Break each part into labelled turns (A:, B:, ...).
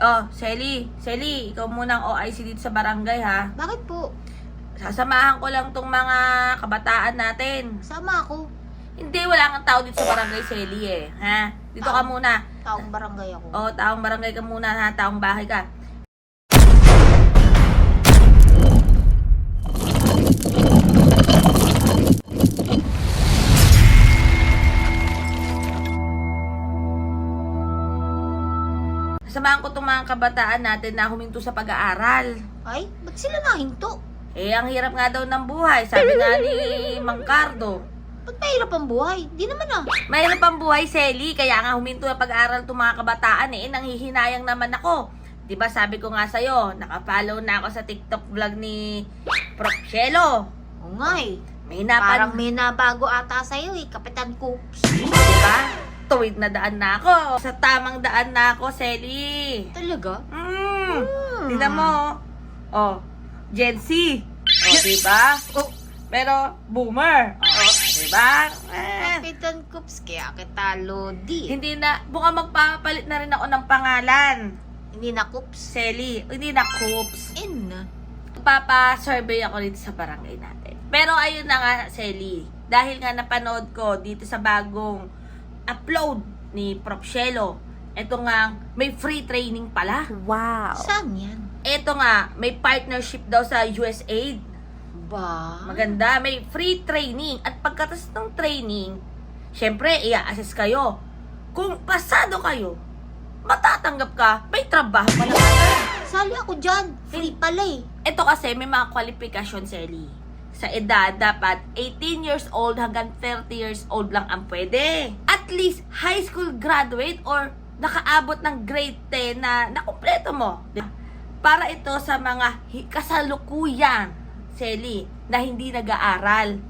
A: Oh, Selly, ikaw muna ang OIC dito sa barangay ha.
B: Bakit po?
A: Sasamahan ko lang tong mga kabataan natin.
B: Sama ako.
A: Hindi, wala kang tao dito sa barangay, Selly eh. Ha? Dito ka muna.
B: Taong barangay ako.
A: Oh, taong barangay ka muna ha, taong bahay ka. Sasamahan ko tong mga kabataan natin na huminto sa pag-aaral.
B: Ay, ba't sila nahinto?
A: Eh, ang hirap nga daw ng buhay, sabi nga ni Mang Cardo.
B: Ba't mahirap ang buhay? Di naman ah.
A: Mahirap ang buhay, Selly, kaya nga huminto na pag-aaral itong mga kabataan eh, nanghihinayang naman ako. Diba sabi ko nga sa'yo, nakafollow na ako sa TikTok vlog ni Prof. Shelo.
B: Oo nga eh.
A: May
B: Parang may nabago ata sa'yo eh, Kapitan Coops.
A: Diba? Tuwid na daan na ako. Sa tamang daan na ako, Selly.
B: Talaga?
A: Tignan mo. Oh, Gen Z. Oh, diba?
B: Oh,
A: Pero, boomer. Oh, diba?
B: Kapitan Coops, kaya kita Lodi.
A: Hindi na, buka magpapalit na rin ako ng pangalan.
B: Hindi na Coops.
A: Selly, hindi na Coops.
B: Na.
A: Papa-survey ako dito sa barangay natin. Pero ayun na nga, Selly. Dahil nga napanood ko dito sa bagong upload ni Prof. Shelo. Ito nga, may free training pala.
C: Wow.
B: Saan yan?
A: Ito nga, may partnership daw sa USAID.
B: Ba?
A: Maganda, may free training. At pagkatas ng training, syempre, i-assess kayo. Kung pasado kayo, matatanggap ka, may trabaho pa na.
B: Sali ako dyan. Free pala eh.
A: Ito kasi may mga qualification, Selly. Sa edad, dapat 18 years old hanggang 30 years old lang ang pwede. At least, high school graduate or nakaabot ng grade 10 na nakumpleto mo. Para ito sa mga kasalukuyan, Selly, na hindi nag-aaral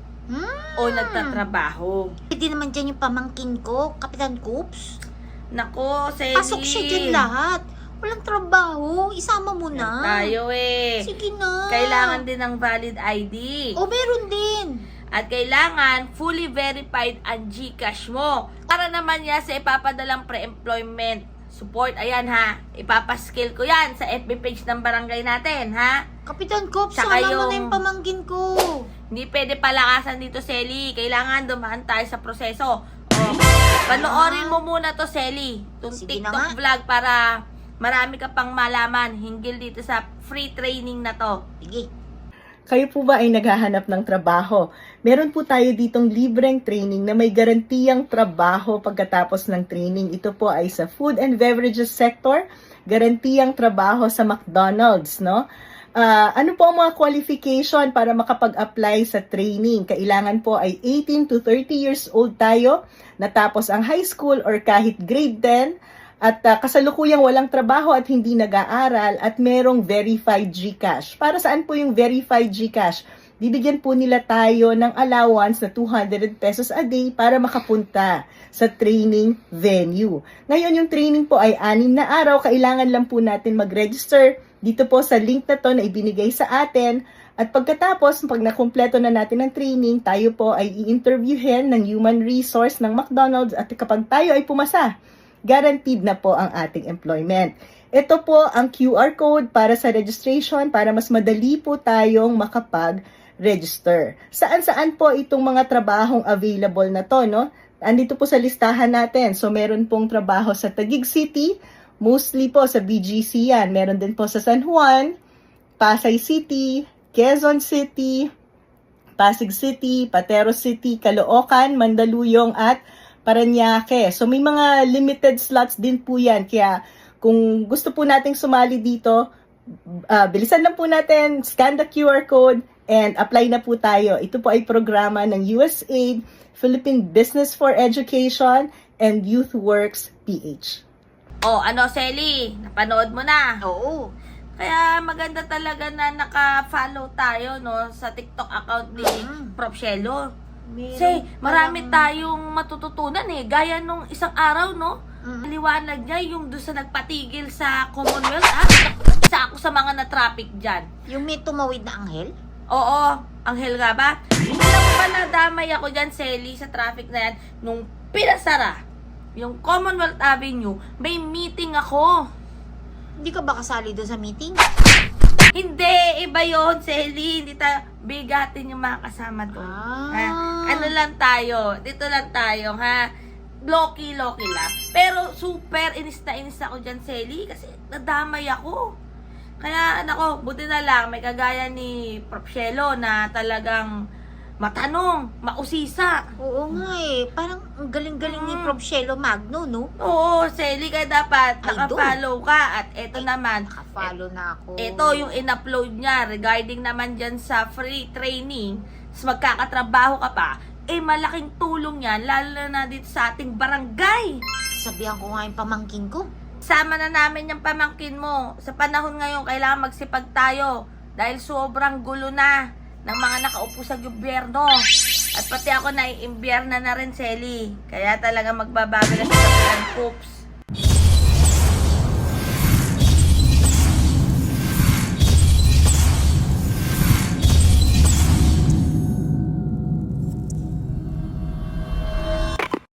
A: o nagtatrabaho.
B: Hindi naman dyan yung pamangkin ko, Kapitan Coops.
A: Nako, Selly.
B: Pasok siya dyan lahat. Walang trabaho. Isama mo na.
A: Tayo eh.
B: Sige na.
A: Kailangan din ng valid ID.
B: O, meron din.
A: At kailangan fully verified ang GCash mo. Para naman yan sa ipapadalang pre-employment support. Ayan ha, ipapaskill ko yan sa FB page ng barangay natin ha.
B: Kapitan Coops,
A: Saka
B: sama mo
A: yung-
B: na yung pamangkin ko.
A: Hindi pwede palakasan dito, Selly. Kailangan dumaan tayo sa proseso. O, panoorin mo muna to, Selly. Itong
B: Sige
A: TikTok
B: na nga.
A: vlog para marami ka pang malaman hinggil dito sa free training na to.
B: Sige.
C: Kayo po ba ay naghahanap ng trabaho? Meron po tayo ditong libreng training na may garantiyang trabaho pagkatapos ng training. Ito po ay sa food and beverages sector, garantiyang trabaho sa McDonald's, no? Ano po ang mga qualification para makapag-apply sa training? Kailangan po ay 18 to 30 years old tayo, natapos ang high school or kahit grade 10, at kasalukuyang walang trabaho at hindi nag-aaral at merong verified GCash. Para saan po yung verified GCash? Bibigyan po nila tayo ng allowance na 200 pesos a day para makapunta sa training venue. Ngayon, yung training po ay 6 na araw. Kailangan lang po natin mag-register dito po sa link na to na ibinigay sa atin. At pagkatapos, pag nakumpleto na natin ang training, tayo po ay i-interviewin ng human resource ng McDonald's at kapag tayo ay pumasa, guaranteed na po ang ating employment. Ito po ang QR code para sa registration para mas madali po tayong makapag-register. Saan-saan po itong mga trabahong available na to, no? Andito po sa listahan natin. So, meron pong trabaho sa Taguig City, mostly po sa BGC yan. Meron din po sa San Juan, Pasay City, Quezon City, Pasig City, Patero City, Caloocan, Mandaluyong at Parañaque. So may mga limited slots din po yan. Kaya kung gusto po nating sumali dito, bilisan lang po natin, scan the QR code, and apply na po tayo. Ito po ay programa ng USAID, Philippine Business for Education, and YouthWorks PH.
A: O, ano, Selly? Napanood mo na?
B: Oo.
A: Kaya maganda talaga na naka-follow tayo, no, sa TikTok account ni Prof. Shelo. Kasi marami tayong matututunan eh. Gaya nung isang araw, no? Liwanag niya yung doon sa nagpatigil sa Commonwealth. Isa ako sa mga na-traffic dyan.
B: Yung may tumawid na anghel?
A: Oo, anghel nga ba? Alam mo ba nadamay ako dyan, Selly, sa traffic na yan. Nung pinasara yung Commonwealth Avenue, may meeting ako.
B: Hindi ka ba kasali doon sa meeting?
A: Hindi, iba yun, Selly. Hindi tayo bigatin yung mga kasama doon. Ha? Ano lang tayo, dito lang tayo, ha? Loki lang. Pero super inis ako dyan, Selly, kasi nadamay ako. Kaya, nako, buti na lang, may kagaya ni Prof. Shelo na talagang matanong, mausisa.
B: Oo nga eh. Parang ang galing-galing ni Prof. Shelo Magno, no?
A: Oo, Selly, kaya dapat
B: Idol.
A: nakafollow ka. At eto naman,
B: Nakafollow na ako.
A: ito yung in-upload niya regarding naman dyan sa free training, magkakatrabaho ka pa, malaking tulong yan, lalo na dito sa ating barangay.
B: Sabihan ko nga yung pamangkin ko.
A: Sama na namin yung pamangkin mo. Sa panahon ngayon, kailangan magsipag tayo dahil sobrang gulo na ng mga nakaupo sa gobyerno. At pati ako naiimbierna na rin, Selly. Kaya talaga magbabago na sa plan, Poops.